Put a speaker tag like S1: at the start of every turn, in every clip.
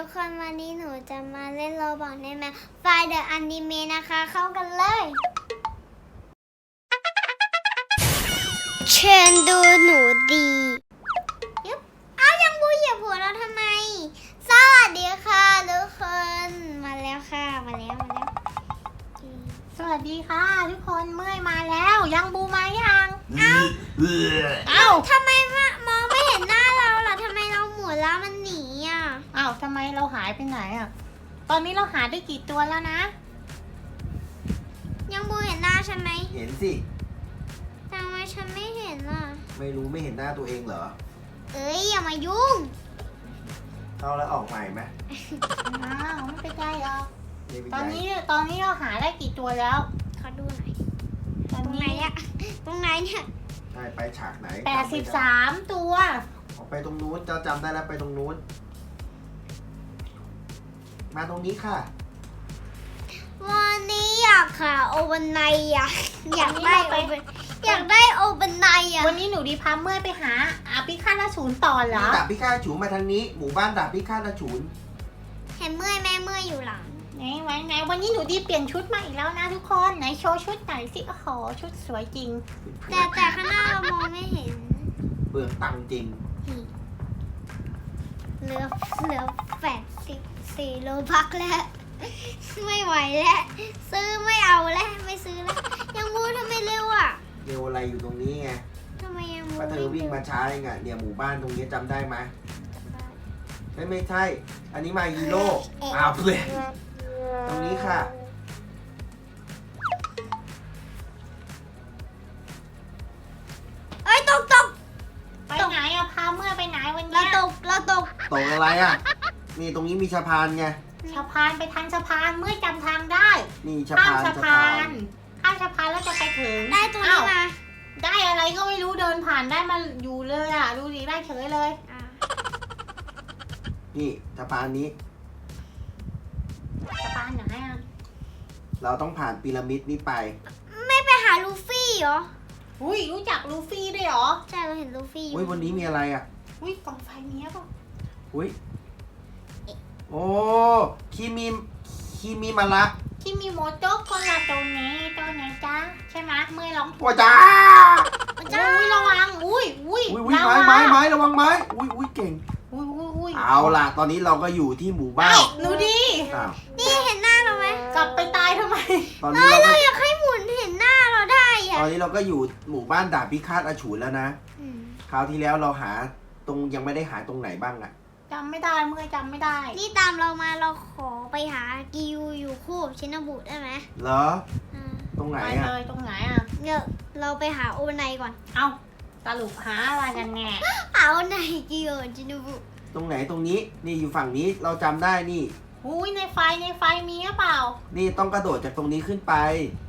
S1: ทุกคนวันนี้หนูจะมาเล่นโรบอทในแมปไฟเดอะอนิเมะนะคะเข้ากันเลยเชิญดูหนูดียึบอ้าวยังบูเหยียบหัวเราทำไมสวัสดีค่ะทุกคนมาแล้วค่ะมาแล้ว
S2: สวัสดีค่ะทุกคนเมื่อยมาแล้วยังบูมายัง
S1: เอ้าทำไมมองไม่เห็นหน้าเราล่ะทำไมเราหมุนแล้วมันหนีอ่ะ
S2: อ้าวทำไมเราหายไปไหนอ่ะตอนนี้เราหาได้กี่ตัวแล้วนะ
S1: ยังบูเห็นหน้าฉันไหม
S3: เห็นสิ
S1: ทำไมฉันไม่เห็นล่ะ
S3: ไม่รู้ไม่เห็นหน้าตัวเองเหรอ
S1: เอ้ยอย่ามายุ่ง
S3: เข้าแล้วออกใหม่ไหม
S2: อ้าวไม่เป็นไรหรอกตอนนี้เราหาได้กี่ตัวแล้ว
S1: ขอดูหน่อยตรงไหนเนี่ยตรงไหนเนี่ย
S3: ไปฉากไหน
S2: 83ตัว
S3: ออกไปตรงนู้นเจ้าจำได้แล้วไปตรงนู้นมาตรงนี้ค่ะ
S1: วันนี้อยากค่ะโอเวอร์ไนอ่ะอยากได้โอเวอร์ไนอ่ะ
S2: วันนี้หนูดีพาเมื่อยไปหาพิฆาตอสูรต่อเหรอ
S3: ดาบพิฆาตอสูรมาทางนี้หมู่บ้านดาบพิฆาตอสูร
S1: เห็นเมื่อยแม่เมื่อยอยู่หลัง
S2: ไหนวันนี้หนูดีเปลี่ยนชุดมาอีกแล้วนะทุกคนไหนโชว์ชุดไหนสิโอ้โหชุดสวยจริง
S1: แต่ข้างหน้าเรามองไม่เห็น
S3: เบื่อตังจริง
S1: เหลือ84โลบักแล้วไม่ไหวแล้วซื้อไม่เอาแล้วไม่ซื้อแล้วยังมูทำไมเร็วอ่ะ
S3: เร็วอะไรอยู่ตรงนี้ไง
S1: ทำไมยังมู
S3: ป้าเธอวิ่งมาช้าเองอ่ะเนี่ยหมู่บ้านตรงนี้จำได้ไหมไม่ใช่อันนี้มาฮีโร่อ้าวเลยตรงนี้ค่ะ
S1: เอ้ยตก
S2: ไปไหนอะพาเมื่อไปไหนวันนี้
S1: เราตก
S3: อะไรอะนี่ตรงนี้มีสะพานไง
S2: สะพานไปทางสะพานเมื่อจำทางได้
S3: นี่
S2: ข้ามสะพานแล้วจะไปถึง
S1: ได้ตัวนี้มา
S2: ได้อะไรก็ไม่รู้เดินผ่านได้มาอยู่เลยอะดูดิได้เฉยเลย
S3: นี่สะพานนี้
S2: สะพานไหนอะ
S3: เราต้องผ่านพีระมิดนี้ไป
S1: ไม่ไปหาลูฟี่เหรอ
S2: อุ้ยรู้จักลูฟี่ด้วยเหรอ
S1: ใช่เราเห็นลูฟี่
S3: อุ้ยวันนี้มีอะไรอ่ะ
S2: อุ้ยกองไฟเนี้ยป่ะ
S3: อุ้ยโอ้คิมิมาระ
S2: คิมิโมโตะคนละตัวนี้จ้าใช่ไหมเมื่อร้อง
S3: ถูกจ้า
S2: อุ้ยระวังอุ้ย
S3: ไม้ระวังไม้อุ้ยเก่งเอาล่ะตอนนี้เราก็อยู่ที่หมู่บ้าน
S2: หนูดี
S1: นี่เห็นหน้าเราไหม
S2: กลับไปตายทำไม
S3: ตอนนี้
S1: เราอยากให้หมุนเห็นหน้าเราได้อะ
S3: ตอนนี้เราก็อยู่หมู่บ้านดาบพิฆาตอสูรแล้วนะคราวที่แล้วเราหาตรงยังไม่ได้หาตรงไหนบ้างอะ
S2: จำไม่ได้เมื่อจำไม่ได้
S1: นี่ตามเรามาเราขอไปหากิวอยู่คู่ชินบุได้ไหม
S3: เหรอตรงไหนอะ
S2: ไปเลยตรงไหนอะ
S1: เนี่ยเราไปหาโอไนก่อน
S2: เอาสรุปหาอะไรกันแน่
S1: หาโอไนกิวชินบุ
S3: ตรงไหนตรงนี้นี่อยู่ฝั่งนี้เราจำได้นี่
S2: อุ้ยในไฟมีหรือเปล่า
S3: นี่ต้องกระโดดจากตรงนี้ขึ้นไป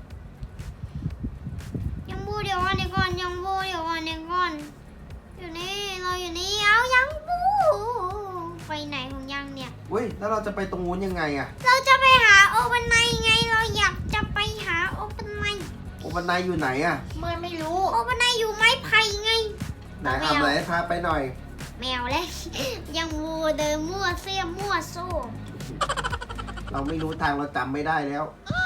S1: ยังบูเดี๋ยวก่อนยังบูเดี๋ยวก่อนอยู่นี่เราอยู่นี่เอายังบูไปไหนของยังเนี่ย
S3: เว้ยแล้วเราจะไปตรงนู้นยังไงอะ
S1: เราจะไปหาโอเปนไนไงเราอยากจะไปหาโอเปนไน
S3: อยู่ไหนอะ
S2: ไม่รู้
S1: โอเปนไนอยู่ไม้ไผ่ไง
S3: ไหนเอาไหนพาไปหน่อย
S1: แมวเลยยังวัวเดินมั่วเสี้ยมั่วโซ่
S3: เราไม่รู้ทางเราจำไม่ได้แล้ว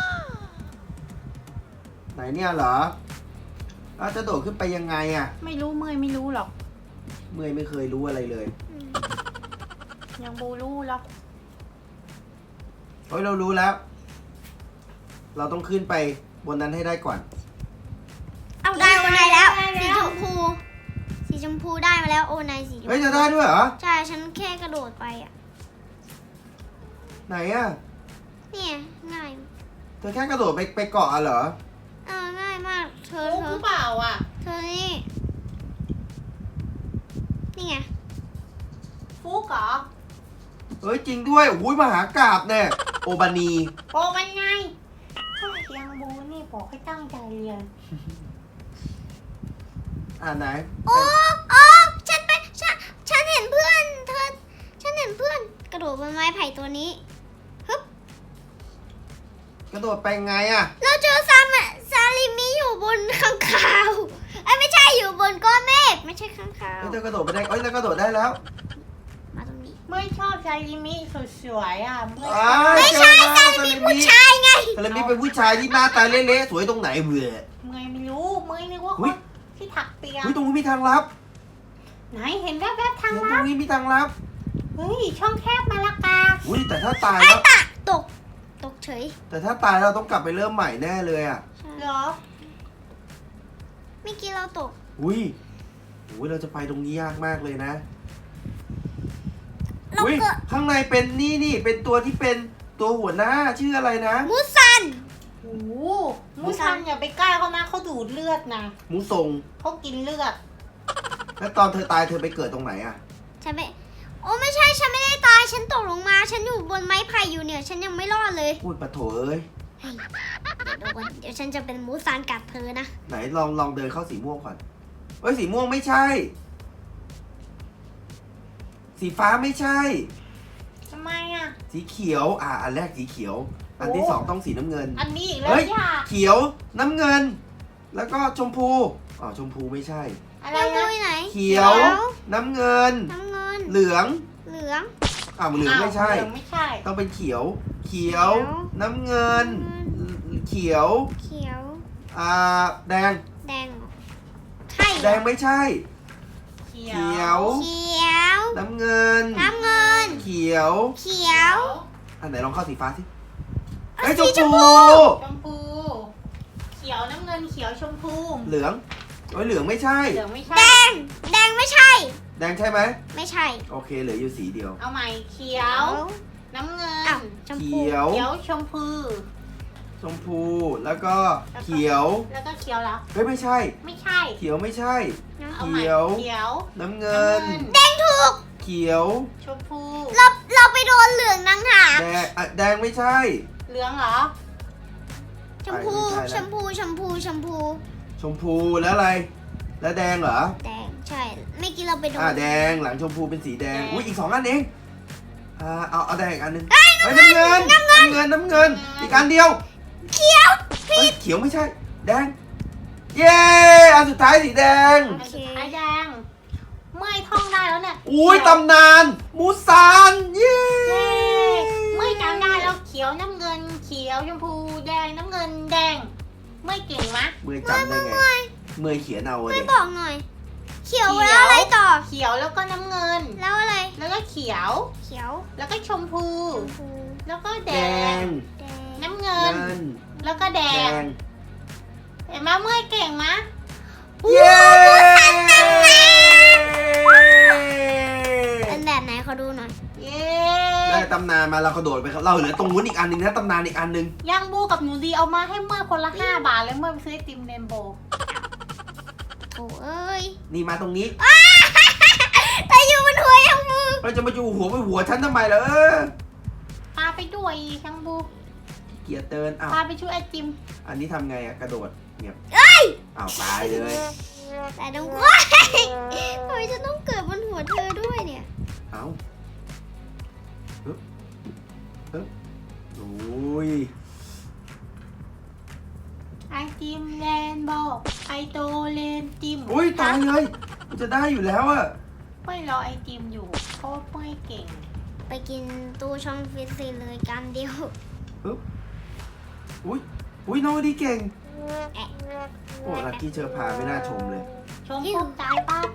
S3: ไหนเนี่ยเหรอเราจะโดดขึ้นไปยังไงอะ
S2: ไม่รู้ไม่รู้หรอก
S3: ไม่เคยรู้อะไรเลย
S2: ยังบูรู้หรอก
S3: เฮ้ยเรารู้แล้วเราต้องขึ้นไปบนนั้นให้ได้ก่อน
S1: เอาได้โอไนแล้วสีชมพูได้มาแล้วโอไนสี
S3: เฮ้ยจะได้ด้วยเหรอ
S1: ใช่ฉันแค่กระโดดไปอ่ะ
S3: ไหนอ่ะ
S1: เนี่ยง่าย
S3: เธอแค่กระโดดไปเกาะเหรอ
S1: ง่ายมากเธอ
S2: เปล่าอ่ะ
S1: เธอนี่ไง
S2: ฟุกเหรอ
S3: เฮ้ยจริงด้วยอุ้ยมหากาพย์เนี่ยโอบานี
S2: มันไงยังบูนี่บอกให้ตั้งใจเรียน
S3: ไหน
S1: ฉันเห็นเพื่อนฉันเห็นเพื่อนกระโดดบนไม้ไผ่ตัวนี้ฮึบ
S3: กระโดดไปไงอ่ะ
S1: เราเจอซาลิมิอยู่บนข้างคาวไม่ใช่อยู่บนก้อนเมฆไม่ใช่ข้างคาว
S3: เธอกระโดดไปได้แล้วกระโดดได้แล้ว
S1: มาตรงนี้
S2: ไม่ชอบซาลิมิสุดสวยอ่ะเมื่อย
S1: ไม่ใช่ซาลิมิผู้ชายไง
S3: ซาลิมิเป็นผู้ชายที่หน้าตาเละๆสวยตรงไหนเบื่อ
S2: เมื่อยไม่รู้เมื่อยนึกว่าค
S3: อุ๊ย
S2: นที่ถักเปีย
S3: เฮ้ยตรงนี้มีทางลับ
S2: ไหนเห็นแวบๆทาง
S3: ตร
S2: ลับ
S3: งนี้มีทางลับ
S2: เฮ้ยช่องแคบมาละกา
S3: อุ้ยแต่ถ้าตายแล้ว
S1: ตกเฉย
S3: แต่ถ้าตายเราต้องกลับไปเริ่มใหม่แน่เลยอ่ะ
S2: เหรอ
S1: เมื่อกี้เราตก
S3: อุ้ยเราจะไปตรงนี้ยากมากเลยนะ
S1: เรา
S3: อุ้ย
S1: เกิด
S3: ข้างในเป็นนี่เป็นตัวที่เป็นตัวหัวหน้าชื่ออะไรนะ
S1: มูซัน
S2: โอ้โหมูซันอย่าไปใกล้เขานะเขาดูดเลือดนะ
S3: หมูทรง
S2: เขากินเลือด
S3: แล้วตอนเธอตายเธอไปเกิดตรงไหนอ่ะ
S1: ฉันไม่โอ้ไม่ใช่ฉันไม่ได้ตายฉันตกลงมา ฉันอยู่บนไม้ไผ่อยู่เนี่ย ฉันยังไม่รอดเลย
S3: พูดปะโถเอ้ย
S1: เฮ้ยเดี๋ยวฉันจะเป็นมูซันกัดเธอนะ
S3: ไหนลองเดินเข้าสีม่วงก่อนเอ้ยสีม่วงไม่ใช่ สีฟ้าไม่ใช่
S2: ทำไมอ่ะ
S3: สีเขียวอันแรกสีเขียว อันที่
S2: โอ้
S3: สองต้องสีน้ำเงิน
S2: อันนี้อีกแล้ว
S3: เฮ้ย
S2: ย่า
S3: เขียวน้ำเงิน แล้วก็ชมพูชมพูไม่ใช่
S2: อะไร
S1: เรา
S2: นะ
S1: ดูไหน
S3: เขียว น้ำเงิน
S1: น้ำเงิน
S3: เหลือง
S1: เหลือง
S3: เหลืองไม่ใช่
S2: เหลืองไม่ใช่
S3: ต้องเป็นเขียว เขียว
S1: เขียว
S3: น้ำเงิน เขียว
S1: เขียว
S3: แดง
S1: แดงเหรอใช่เหรอ
S3: แดงไม่ใช่
S2: เขี
S3: เขียว
S1: เขียว
S3: น้ำเงิน
S1: น้ำเงิน
S3: เขียว
S1: เขียว
S3: อันไหนลองเข้าสีฟ้าสิ
S1: เอา
S3: เอ้ยช
S1: สี
S3: ม
S1: ชม
S3: พู
S1: พู
S2: ชมพู เขียวน้ำเงินเขียวชมพู
S3: เหลืองเหลืองไม่ใช่
S2: เหลืองไม่ใช่
S1: แดง แดงไม่ใช่
S3: แดงใช่ไหม
S1: ไม่ใช่
S3: โอเคเหลืออยู่สีเดียว
S2: เอาใหม่เขียว น้ำเงิน
S1: อ้าวชม
S3: เขี
S1: พู
S3: ยว
S2: เขียวชมพู
S3: ชมพู แล้วก็เขียว
S2: แล้วก็เขียวเหรอ
S3: เฮ้ยไม่ใช่
S2: ไม่ใช่
S3: เขียวไม่ใช่
S2: เอาใหม่
S3: เขียว
S2: เขียว
S3: น้ำเงิน
S1: แดงถูก
S3: เขียว
S2: ชมพู
S1: เราไปโดนเหลืองนังหาก
S3: แดงไม่ใช่
S2: เหลืองเหรอ
S1: ชมพู
S3: ไม่ใช่แล้ว
S1: ชมพูชมพูชมพู
S3: ชมพูแล้วอะไร แล้วแดงเหรอ
S1: แดงใช่ไม่อกี้เราไปโดน
S3: แดงหลังชมพูเป็นสีแดง
S2: แดง
S3: อุ้ยอีก2อันเองเอาแดงอีกอันหนึงเฮ้ยน้ำเงินน้ำเงินอีกอันเดียว
S1: เขียว
S3: เฮ้ยเขียวไม่ใช่ แดง เย้อันสุดท้ายสีแดง
S2: อันสุดท้ายแดง เมื่อยท่องได้แล้วเนี่ย
S3: อุ้ย
S2: เขีว
S3: ตำนานมูซาน เย้
S2: เย้เมื่อยจำได้แล้วเขียวน้ำเงิน เขียวชมพูแดงน้ำเงินแดง เมื่อยเก่งมะ
S3: เมื่อยจำได้ไงเมื่อยเขียนเอา
S1: ไม่
S3: เด็
S1: บอกหน่อย เขียว
S2: เขียว
S1: แล้วอะไรต่อ
S2: เขียวแล้วก็น้ำเงิน
S1: แล้วอะไร
S2: แล้วก็เขียว
S1: เขียว
S2: แล้วก็ชมพู
S1: ชมพู
S2: แล้วก็แด
S3: แด
S2: ง
S3: ง
S1: แดง
S2: น้ำเงิ
S3: เงิ
S2: น
S3: น
S2: แล้วก็แด
S3: แด
S2: ง
S3: ง
S2: เห็นไหมเมื่อยเก่งมะ
S3: เย้
S1: เป็นแบบไหนขอดูหน่อย
S2: เย้
S3: ได้ตำนานมาเรากระโดดไปครับเราเหลือตรงนู้นอีกอันหนึงนะตำนานอีกอันหนึง
S2: ยังบูกับหนูดีเอามาให้เมื่อยคนละ5 บาทเลยเมื่อยไปซื้อไอติมเรนโบว์
S1: โถเอ้ย
S3: นี่มาตรงนี้
S1: แต่อยู่บนหัวยังมือ
S3: เราจะมาอยู่หัวฉันทำไมล่ะ
S2: พาไปด้วยยังบู
S3: เกียร์เตินอ้าว
S2: พาไปช่วยไอติม
S3: อันนี้ทำไงอะกระโดดเงียบอ้าวตายเลย
S1: แต่ต้องว้ายทำไมจะต้องเกิดบนหัวเธอด้วยเนี่ย
S3: เอ้าฮึบโอ้ย
S2: ไอติมเรนโบว์ไอโตเรนติม
S3: อุ้ยตายเลยมันจะได้อยู่แล้วอะ
S2: เมื่อยรอไอติมอยู่เพราะว่าเมื่อยเก่ง
S1: ไปกินตู้ช่องฟิตซีเลยกันเดียว
S3: อุ้ยน้องดีเก่ง
S1: แอะ
S3: โอ้ลักกี้เชอร์พาไม่น่าชมเลย
S2: ชมปุ๊บตายปั๊บ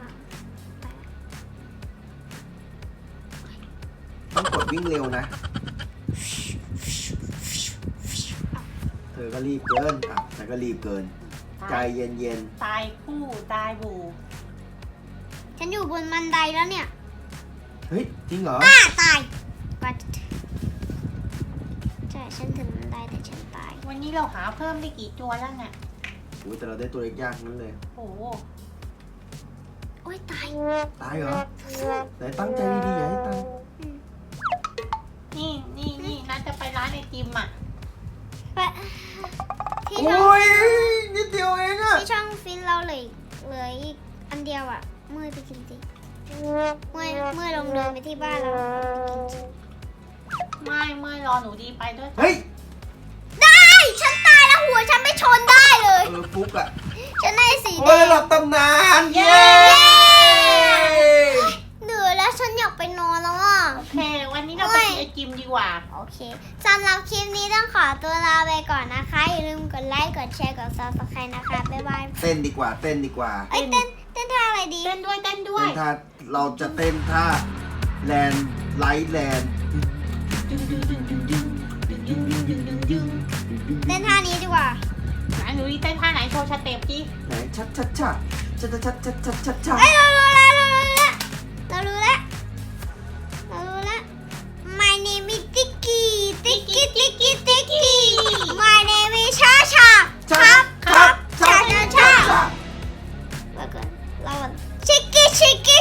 S3: ต้องกดวิ่งเร็วนะ เธอก็รีบเกินฉันก็รีบเกิน ใจเย็น
S2: ตายคู่ตายบู
S1: ฉันอยู่บนบันไดแล้วเนี่ย
S3: ๆ เฮ้ย จริงเหรอ
S1: ตายว่าใช่ฉันถึงบันไดแต่ฉันตาย
S2: วันนี้เราหาเพิ่มได้กี่ตัวแล้วเนี่ย
S3: อุ้ยแต่เราได้ตัวเล็กยากนั้นเลย
S2: โอ้โห
S1: โอ้ยตาย
S3: ตายเหรอไหนตั้งใจดีๆอย่าให้ตาย
S2: นี่น่าจะไปร้านไอติมอ่ะ
S1: ไปที่ช่อง
S3: โอ้ยนิดเดียวเองอะ
S1: ที่ช่องฟินเราเหลืออีกอันเดียวอ่ะเมื่อยไปกินสิเมื่อยลงเดินไปที่บ้านแล้ว
S2: ไม่รอหนูดีไปด้วย
S3: เฮ้ย
S1: ได้ฉันตายแล้วหัวฉันไม่ชนได้เลย
S3: ฟุกอะ
S1: ฉันได้สีแด
S3: โอ้ย
S1: ง
S3: หลับตำนาน
S2: เย้
S1: เหนื่อยแล้วฉันอยากไปนอนแล้วอ่ะ
S2: ไอจิมดีกว่า
S1: โอเคสำหรับคลิปนี้ต้องขอตัวลาไปก่อนนะคะ อย่าลืมกดไลค์ กดแชร์ กด subscribe นะคะ บ๊ายบาย
S3: เต้นดีกว่าเต้นดีกว่า
S1: เอ้ยเต้นท่าอะไรดี
S2: เต้นด้วยเต้นด้วย
S3: เต้นท่าเราจะเต้นท่าแลนไลท์แลน
S1: เต้นท่านี้ดีกว่า
S2: ไหนหนูเต้นท่าไหนโชว์สเต็ปดิ
S3: ไหนชัดชัดชัดชัดชัดชัดชัดชัดชัด
S1: เอ้ยเรารู้แล้วเรารู้แล้ว My name is Tiki Tiki Tiki Tiki My name is Cha Cha
S3: ชัดชัดชัดชัด
S1: แล้วก็เราชิคกี้